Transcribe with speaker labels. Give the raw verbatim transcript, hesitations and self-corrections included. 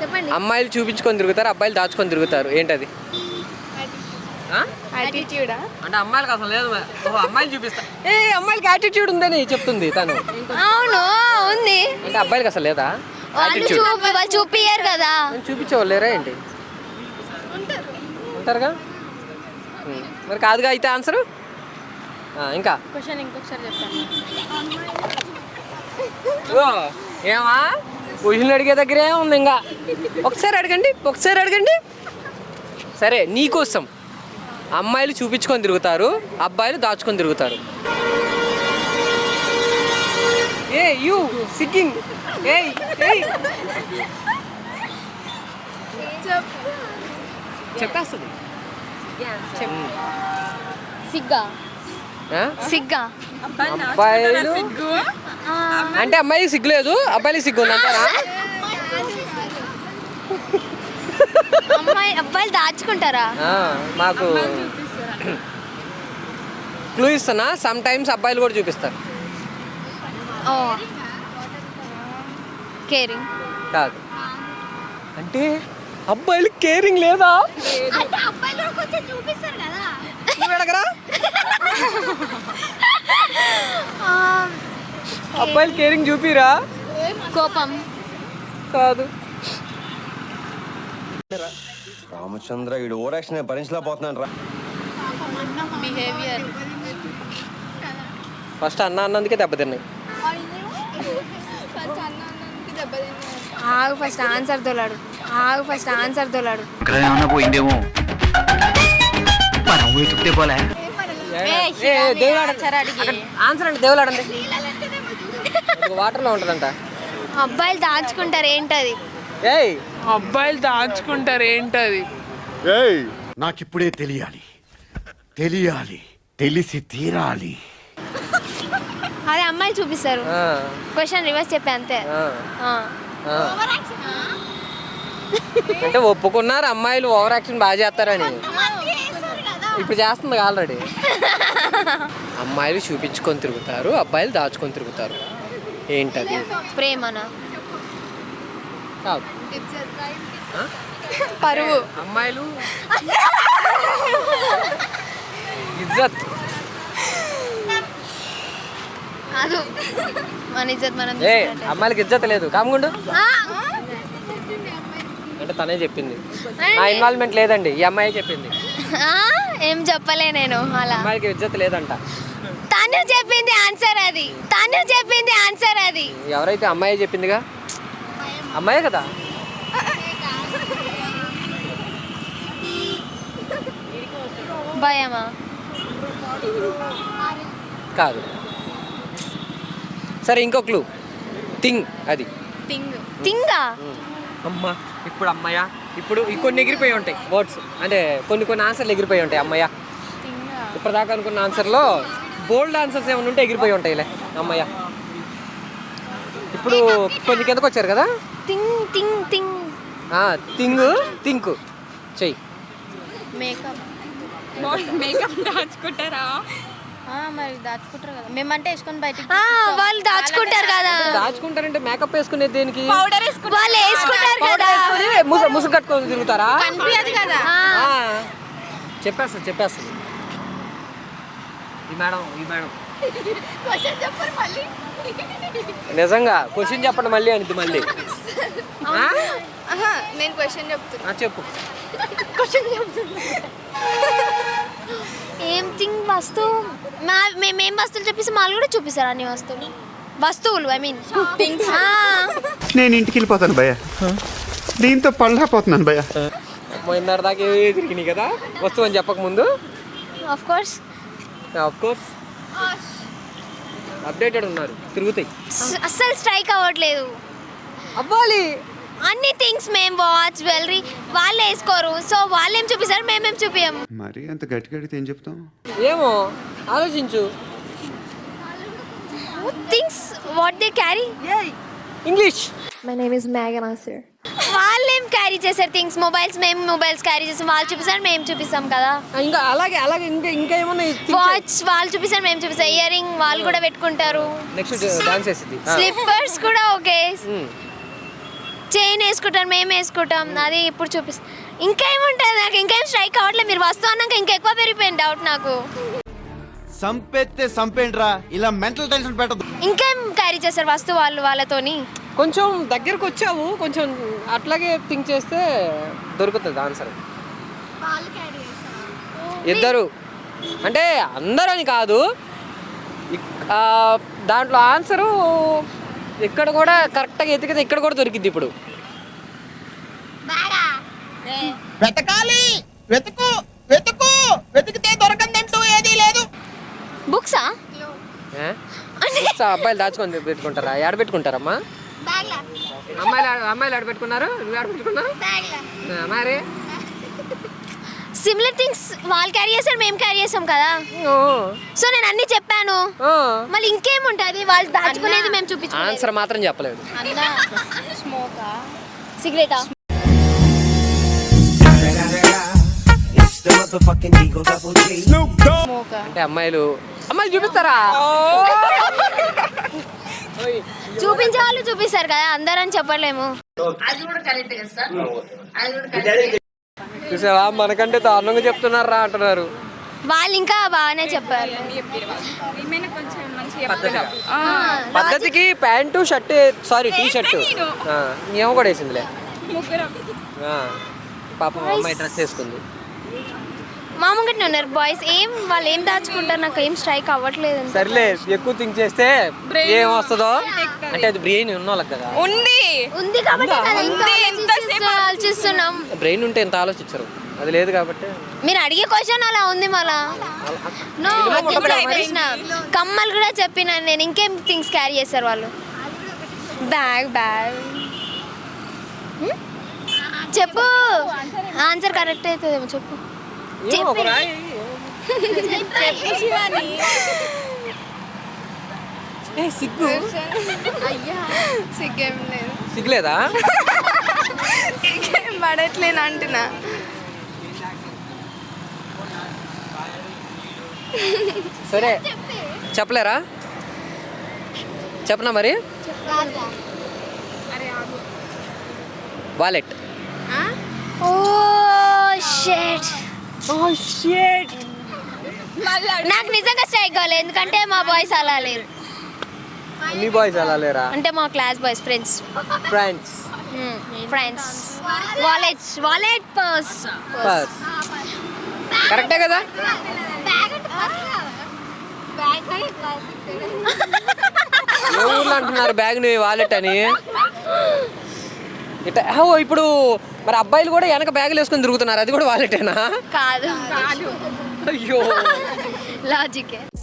Speaker 1: చెప్పండి.
Speaker 2: అమ్మాయిలు చూపించుకొని తిరుగుతారు, అబ్బాయిలు దాచుకొని తిరుగుతారు. ఏంటది?
Speaker 1: యాటిట్యూడా?
Speaker 2: అంటే అమ్మాయిలకు అసలు లేదు. అమ్మాయిలు చూపిస్తా ఏ అమ్మాయిలకి యాటిట్యూడ్ ఉందని చెప్తుంది తను.
Speaker 1: అవును ఉంది.
Speaker 2: అంటే అబ్బాయిలకి అసలు లేదా?
Speaker 1: వాళ్ళు చూపి వాళ్ళు చూపియ్యారు కదా.
Speaker 2: చూపించేవాళ్ళు లేరా ఏంటి? ఉంటారుగా. మరి కాదుగా అయితే ఆన్సర్. ఇంకా
Speaker 1: క్వశ్చన్ ఇంకొకసారి చెప్తాను.
Speaker 2: ఏమా క్వశ్చన్ అడిగే దగ్గరే ఉంది. ఇంకా ఒకసారి అడగండి, ఒకసారి అడగండి. సరే, నీకోసం అమ్మాయిలు చూపించుకొని తిరుగుతారు, అబ్బాయిలు దాచుకొని తిరుగుతారు. ఏ యూ సిగ్గింగ్ ఏ చెప్పేస్తుంది.
Speaker 1: సిగ్గా సిగ్గా
Speaker 2: అబ్బాయిలు అంటే అమ్మాయికి సిగ్గు లేదు, అబ్బాయికి సిగ్గు ఉంది అంటారా?
Speaker 1: అమ్మాయి అబ్బాయిలు దాచుకుంటారా?
Speaker 2: మాకు క్లూ ఇస్తున్నా, సమ్ టైమ్స్ అబ్బాయిలు కూడా చూపిస్తారు.
Speaker 1: ఓ కేరింగ్
Speaker 2: కాదు. అంటే అబ్బాయిలు కేరింగ్ లేదా? నువ్వు అడగరా? అబ్బాయిలు కేరింగ్ చూపిరా?
Speaker 1: కోపం
Speaker 2: కాదు.
Speaker 3: రామచంద్ర ఈడు ఓవర్ యాక్షన్ భరించలేకపోతున్నాను రా.
Speaker 1: బిహేవియర్.
Speaker 2: ఫస్ట్ అన్న అన్నందుకే దెబ్బతిన్నాయి.
Speaker 1: ఆగు ఫస్ట్ ఆన్సర్ తోలాడు. ఆగు ఫస్ట్ ఆన్సర్ తోలాడు.
Speaker 4: పోయిందేమో
Speaker 2: ఆన్సర్ అంటే దేవులాడండి. వాటర్లో ఉంటుందంట.
Speaker 1: అబ్బాయిలు దాచుకుంటారు ఏంటది?
Speaker 2: ఏయ్
Speaker 5: అబ్బాయిలు దాచుకుంటారు ఏంటది?
Speaker 6: నాకిప్పుడే తెలియాలి, తెలియాలి, తెలిసి తీరాలి.
Speaker 1: అదే అమ్మాయిలు చూపిస్తారు. క్వశ్చన్ రివర్స్ చెప్పే అంతే.
Speaker 2: అంటే ఒప్పుకున్నారు అమ్మాయిలు ఓవర్ యాక్షన్ బాగా చేస్తారని. ఇప్పుడు చేస్తుంది ఆల్రెడీ. అమ్మాయిలు చూపించుకొని తిరుగుతారు, అబ్బాయిలు దాచుకొని తిరుగుతారు. ఏంటది?
Speaker 1: ప్రేమనా?
Speaker 2: కాదు.
Speaker 1: పరువు.
Speaker 2: అమ్మాయిలు ఇజ్జత్.
Speaker 1: కాదు, మన ఇజ్జత్ మనం.
Speaker 2: ఏ అమ్మాయిలకి ఇజ్జత్ లేదు, కాముండు. అంటే తనే చెప్పింది, నా ఇన్వాల్వ్మెంట్ లేదండి, ఈ అమ్మాయి చెప్పింది.
Speaker 1: ఏం చెప్పలే నేను అలా.
Speaker 2: అమ్మాయిలకి ఇజ్జత్ లేదంట.
Speaker 1: తను చెప్పింది ఆన్సర్ అది. తను చెప్పింది ఆన్సర్ అది.
Speaker 2: ఎవరైతే అమ్మాయి చెప్పిందిగా, అమ్మాయే కదా.
Speaker 1: భయమా?
Speaker 2: కాదు. సరే ఇంకో క్లూ. థింగ్. అది
Speaker 1: థింగ్. థింగా?
Speaker 2: అమ్మా ఇప్పుడు అమ్మాయ, ఇప్పుడు కొన్ని ఎగిరిపోయి ఉంటాయి వర్డ్స్, అంటే కొన్ని కొన్ని ఆన్సర్లు ఎగిరిపోయి ఉంటాయి. అమ్మాయ ఇప్పటిదాకా అనుకున్న ఆన్సర్లో బోల్డ్ ఆన్సర్స్ ఏమైనా ఉంటే ఎగిరిపోయి ఉంటాయిలే. అమ్మాయ ఇప్పుడు కొంచెం కిందకు వచ్చారు కదా.
Speaker 1: Thing thing thing
Speaker 2: thing think చెయ్యి.
Speaker 1: మేకప్.
Speaker 5: మేకప్ దాచుకుంటారా?
Speaker 1: మరి దాచుకుంటారు కదా, మేమంటే వేసుకొని బయటికి. వాళ్ళు దాచుకుంటారు కదా.
Speaker 2: దాచుకుంటారంటే మేకప్ వేసుకునేది దేనికి?
Speaker 1: పౌడర్ వేసుకుంటారు. వాళ్ళు వేసుకుంటారు కదా,
Speaker 2: ముసుగు కట్టుకొని తిరుగుతారా?
Speaker 1: కనిపించదు కదా.
Speaker 2: చెప్పేస్తుంది చెప్పేస్తుంది ఈ మేడం, ఈ మేడం నిజంగా క్వశ్చన్ చెప్పండి మళ్ళీ అనిది మళ్ళీ.
Speaker 1: నేను క్వశ్చన్ చెప్తున్నా.
Speaker 2: చెప్పు.
Speaker 1: క్వశ్చన్ చెప్తున్నా. ఏం థింగ్ వస్తువు? మా మేమేం వస్తువులు చెప్పేసి వాళ్ళు కూడా చూపిస్తారు అన్ని వస్తువులు. వస్తువులు ఐ మీన్ థింగ్స్.
Speaker 6: నేను ఇంటికి వెళ్ళిపోతాను భయ్య, దీంతో పళ్ళపోతున్నాను భయ్య.
Speaker 2: పోయినారు దాకా ఏ తిరిగినాయి కదా వస్తువు అని చెప్పక ముందు.
Speaker 1: Of course
Speaker 2: of course updated ఉన్నారు, తిరుగుతాయి.
Speaker 1: అస్సలు స్ట్రైక్ అవ్వట్లేదు.
Speaker 2: అవ్వాలి.
Speaker 1: అన్ని థింగ్స్ మేము వాచ్ జ్యువెలరీ వాళ్ళు వేసుకోరు, సో వాళ్ళు ఏం చూపిస్తారు మేమేం చూపియము.
Speaker 6: మరి అంత గట్టిగా అడిగితే ఏం చెప్తాం?
Speaker 2: ఏమో ఆలోచించు.
Speaker 1: Things what they carry.
Speaker 2: English.
Speaker 7: My name is మేఘనా సార్.
Speaker 1: వాళ్ళు ఏం క్యారీ చేశారు థింగ్స్? మొబైల్స్ మేము మొబైల్స్ క్యారీ చేస్తాం, వాళ్ళు చూపిస్తారు మేము చూపిస్తాం కదా.
Speaker 2: ఇంకా అలాగే అలాగే ఇంకా ఇంకా ఏమన్నా.
Speaker 1: వాచ్ వాళ్ళు చూపిస్తారు మేము చూపిస్తాం. ఇయర్ రింగ్ వాళ్ళు కూడా పెట్టుకుంటారు.
Speaker 2: నెక్స్ట్ డాన్స్ చేసింది.
Speaker 1: స్లిప్పర్స్ కూడా ఓకే. చైన్ వేసుకుంటాం మేము వేసుకుంటాం అది ఇప్పుడు చూపిస్తాం. ఇంకేముంటుంది నాకు ఇంకేం స్ట్రైక్ అవ్వట్లేదు. మీరు వస్తువు అన్నాక ఇంకా ఎక్కువ పెరిగిపోయింది డౌట్ నాకు.
Speaker 4: సంపెత్తే సంపేంట్రా ఇలా మెంటల్ టెన్షన్ పెట్టదు.
Speaker 1: ఇంకేం క్యారీ చేస్తారు వస్తువు వాళ్ళు వాళ్ళతోని?
Speaker 2: కొంచెం దగ్గరకు వచ్చావు, కొంచెం అట్లాగే థింక్ చేస్తే దొరుకుతుంది ఆన్సర్. ఇద్దరు అంటే అందరూ అని కాదు, ఇక్- ఆ, దాంట్లో ఆన్సరు ఇక్కడ కూడా కరెక్ట్గా ఎతికితే ఇక్కడ కూడా దొరికింది. ఇప్పుడు
Speaker 8: వెతకాలి, వెతుకు వెతుకు వెతికితే దొరకందంటూ ఏదీ లేదు.
Speaker 1: బుక్సా?
Speaker 2: ఏ? బుక్స్ అబ్బాయిలు దాచుకొని పెట్టుకుంటారా? ఆడ పెట్టుకుంటారమ్మా? అమ్మాయిలు ఆడ- అమ్మాయిలు ఆడ పెట్టుకున్నారు, నువ్వు ఆడ పెట్టుకున్నారు మరి.
Speaker 1: సిమిలర్ థింగ్స్ వాళ్ళు క్యారీ చేస్తారు మేము క్యారీ చేస్తాం కదా.
Speaker 2: ఓ.
Speaker 1: సో నేను అన్ని చెప్పాను,
Speaker 2: ఓ.
Speaker 1: మళ్ళీ ఇంకేముంటుంది వాళ్ళు దాచుకునేది మేము చూపించుకోలేదు.
Speaker 2: ఆన్సర్ మాత్రం చెప్పలేదు.
Speaker 1: సిగరెటా?
Speaker 2: అంటే అమ్మాయిలు అమ్మాయిలు చూపిస్తారా?
Speaker 1: చూపించే వాళ్ళు చూపిస్తారు కదా, అందరని చెప్పలేము.
Speaker 2: చూసావా, మనకంటే దారుణంగా చెప్తున్నారా అంటున్నారు.
Speaker 1: వాళ్ళు ఇంకా బాగానే చెప్పారు.
Speaker 5: ఏమైనా కొంచెం మంచిగా
Speaker 2: పద్ధతిగా.
Speaker 5: ఆ,
Speaker 2: పద్ధతికి pant shirt, sorry T shirt ఏమో కూడా వేసిందిలే.
Speaker 5: ముగ్గురం
Speaker 2: ఆ, పాపం అమ్మాయి డ్రెస్ వేసుకుంది.
Speaker 1: మా ముంగట్నే ఉన్నారు బాయ్స్. ఏం వాళ్ళు ఏం దాచుకుంటారు నాకు ఏం స్ట్రైక్ అవ్వట్లేదు.
Speaker 2: సర్లే, ఎక్కువ థింక్ చేస్తే ఏం వస్తుందో అంటే అది బ్రెయిన్ ఉన్న వాళ్ళకి కదా.
Speaker 5: ఉంది
Speaker 1: ఉంది కాబట్టి కదా ఇంకా
Speaker 5: ఉంది, ఎంతసేపు
Speaker 1: ఆలోచిస్తూ- ఆలోచిస్తున్నాం.
Speaker 2: బ్రెయిన్ ఉంటే ఎంత ఆలోచించరు, అది లేదు కాబట్టి.
Speaker 1: మీరు అడిగే క్వశ్చన్ అలా ఉంది మళ్ళా. నో చెప్పిన కమ్మలు కూడా చెప్పిన నేను. ఇంకేం థింగ్స్ క్యారీ చేస్తారు వాళ్ళు? బ్యాగ్ బ్యాగ్ చెప్పు. ఆన్సర్ కరెక్ట్ అవుతుందేమో చెప్పు.
Speaker 2: ఏమో ఒక రాయి. ఏ, సిగ్గు
Speaker 5: సిగ్గేం లేదు,
Speaker 2: సిగ్గులేదా?
Speaker 5: సిగ్గేం పడట్లేను అంటున్నా.
Speaker 2: సరే చెప్పలేరా? చెప్పనా మరి? వాలెట్.
Speaker 1: Oh shit. నాకు నిజంగా స్ట్రైక్ కాలేదు ఎందుకంటే మా బాయ్స్ అలా లేరు.
Speaker 2: మీ బాయ్స్ అలా లేరా?
Speaker 1: అంటే మా class boys friends
Speaker 2: friends
Speaker 1: friends wallet wallet purse
Speaker 2: purse కరెక్టే కదా? ఏ ఊర్లో అంటున్నారు బ్యాగ్ని వాలెట్ అని? ఇట్లా ఓ, ఇప్పుడు మరి అబ్బాయిలు కూడా వెనక బ్యాగులు వేసుకొని తిరుగుతున్నారు, అది కూడా వాలెటేనా?
Speaker 1: కాదు
Speaker 2: అయ్యో
Speaker 1: లాజికే.